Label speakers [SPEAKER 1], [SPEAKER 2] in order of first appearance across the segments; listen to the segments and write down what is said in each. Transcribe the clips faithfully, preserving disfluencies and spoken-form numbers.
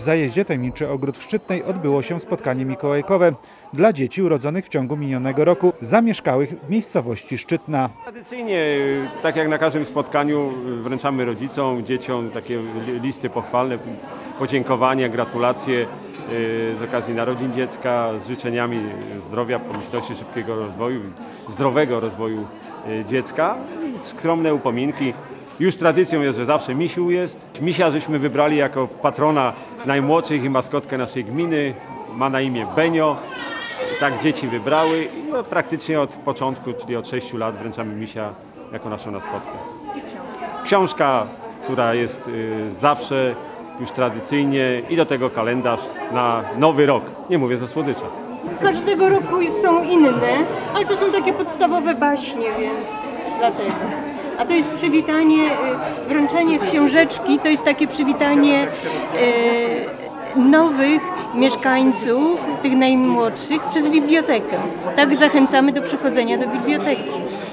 [SPEAKER 1] W zajeździe Tajemniczy Ogród w Szczytnej odbyło się spotkanie mikołajkowe dla dzieci urodzonych w ciągu minionego roku, zamieszkałych w miejscowości Szczytna.
[SPEAKER 2] Tradycyjnie, tak jak na każdym spotkaniu, wręczamy rodzicom, dzieciom takie listy pochwalne, podziękowania, gratulacje z okazji narodzin dziecka, z życzeniami zdrowia, pomyślności, szybkiego rozwoju, zdrowego rozwoju dziecka i skromne upominki. Już tradycją jest, że zawsze misiu jest. Misia żeśmy wybrali jako patrona najmłodszych i maskotkę naszej gminy. Ma na imię Benio. Tak dzieci wybrały i no, praktycznie od początku, czyli od sześciu lat wręczamy misia jako naszą maskotkę.
[SPEAKER 3] I książka.
[SPEAKER 2] Książka, która jest y, zawsze już tradycyjnie i do tego kalendarz na nowy rok. Nie mówię ze słodycza.
[SPEAKER 3] Każdego roku są inne, ale to są takie podstawowe baśnie, więc dlatego. A to jest przywitanie, wręczenie książeczki, to jest takie przywitanie e, nowych mieszkańców, tych najmłodszych, przez bibliotekę. Tak zachęcamy do przychodzenia do biblioteki.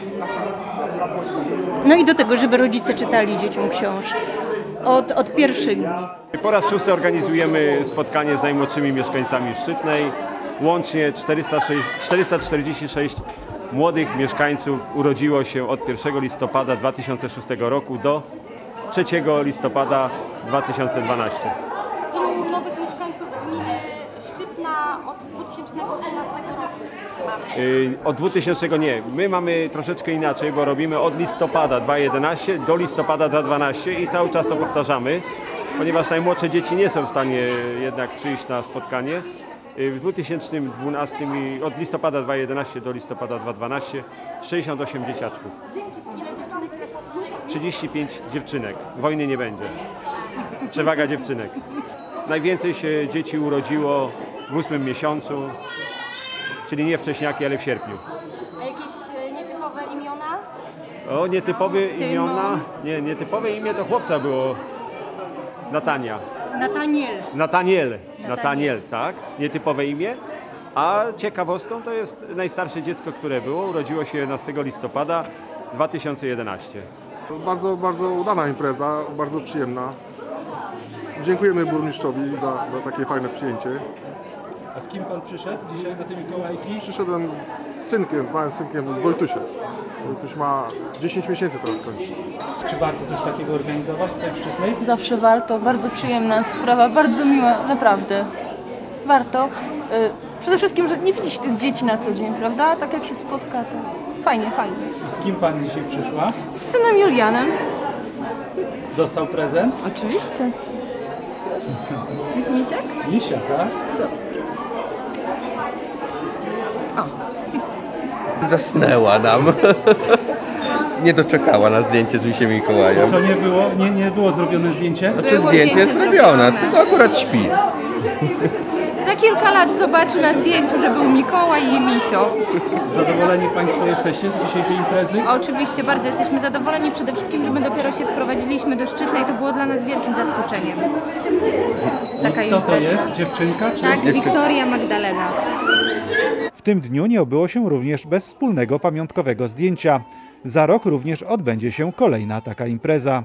[SPEAKER 3] No i do tego, żeby rodzice czytali dzieciom książki od, od pierwszych dni.
[SPEAKER 2] Po raz szósty organizujemy spotkanie z najmłodszymi mieszkańcami Szczytnej. Łącznie czterysta czterdzieści sześć młodych mieszkańców urodziło się od pierwszego listopada dwa tysiące szóstego roku do trzeciego listopada dwa tysiące dwunastego.
[SPEAKER 4] Ilu nowych mieszkańców gminy Szczytna od dwa tysiące dwunastego roku mamy?
[SPEAKER 2] Yy, od dwutysięcznego nie. My mamy troszeczkę inaczej, bo robimy od listopada dwa tysiące jedenastego do listopada dwa tysiące dwunastego i cały czas to powtarzamy, ponieważ najmłodsze dzieci nie są w stanie jednak przyjść na spotkanie. W dwa tysiące dwunastym i od listopada dwa tysiące jedenastego do listopada dwa tysiące dwunastego sześćdziesiąt osiem dzieciaczków.
[SPEAKER 4] Ile dziewczynek, ile chłopców?
[SPEAKER 2] trzydzieści pięć dziewczynek. Wojny nie będzie. Przewaga dziewczynek. Najwięcej się dzieci urodziło w ósmym miesiącu, czyli nie wcześniaki, ale w sierpniu.
[SPEAKER 4] A jakieś e, nietypowe imiona?
[SPEAKER 2] O, nietypowe imiona? Nie, nietypowe imię to chłopca było. Natania.
[SPEAKER 3] Nataniel.
[SPEAKER 2] Nataniel. Nataniel, tak. Nietypowe imię. A ciekawostką to jest najstarsze dziecko, które było. Urodziło się jedenastego listopada dwa tysiące jedenastego.
[SPEAKER 5] Bardzo, bardzo udana impreza, bardzo przyjemna. Dziękujemy burmistrzowi za, za takie fajne przyjęcie.
[SPEAKER 6] A z kim pan przyszedł dzisiaj do tej Mikołajki?
[SPEAKER 5] Przyszedłem z synkiem, z małym synkiem, z Wojtusiem. Wojtuś ma dziesięć miesięcy teraz kończy.
[SPEAKER 6] Czy warto coś takiego organizować tutaj w Szczytnej?
[SPEAKER 7] Zawsze warto, bardzo przyjemna sprawa, bardzo miła, naprawdę. Warto. Yy, przede wszystkim, że nie widzi się tych dzieci na co dzień, prawda? Tak jak się spotka, to fajnie, fajnie.
[SPEAKER 6] I z kim pani dzisiaj przyszła?
[SPEAKER 7] Z synem Julianem.
[SPEAKER 6] Dostał prezent?
[SPEAKER 7] Oczywiście. Jest misiak?
[SPEAKER 6] Misia, tak?
[SPEAKER 8] Zasnęła nam. Nie doczekała na zdjęcie z misiem Mikołajem.
[SPEAKER 6] Co nie było? Nie, nie było zrobione zdjęcie?
[SPEAKER 8] Znaczy
[SPEAKER 7] Było
[SPEAKER 8] zdjęcie jest
[SPEAKER 7] zdjęcie
[SPEAKER 8] zrobione,
[SPEAKER 7] zrobione.
[SPEAKER 8] tylko akurat śpi.
[SPEAKER 7] Za kilka lat zobaczy na zdjęciu, że był Mikołaj i misio.
[SPEAKER 6] Zadowoleni państwo jesteście z dzisiejszej imprezy?
[SPEAKER 4] Oczywiście, bardzo jesteśmy zadowoleni. Przede wszystkim, że my dopiero się wprowadziliśmy do Szczytnej, to było dla nas wielkim zaskoczeniem. Taka
[SPEAKER 6] Kto to
[SPEAKER 4] impreza.
[SPEAKER 6] jest? Dziewczynka? Czy...
[SPEAKER 4] Tak, Wiktoria Magdalena.
[SPEAKER 1] W tym dniu nie obyło się również bez wspólnego pamiątkowego zdjęcia. Za rok również odbędzie się kolejna taka impreza.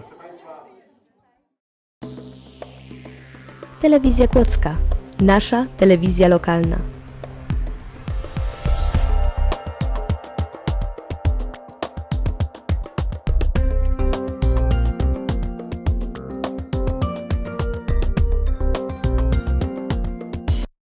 [SPEAKER 9] Telewizja Kłodzka. Nasza telewizja lokalna.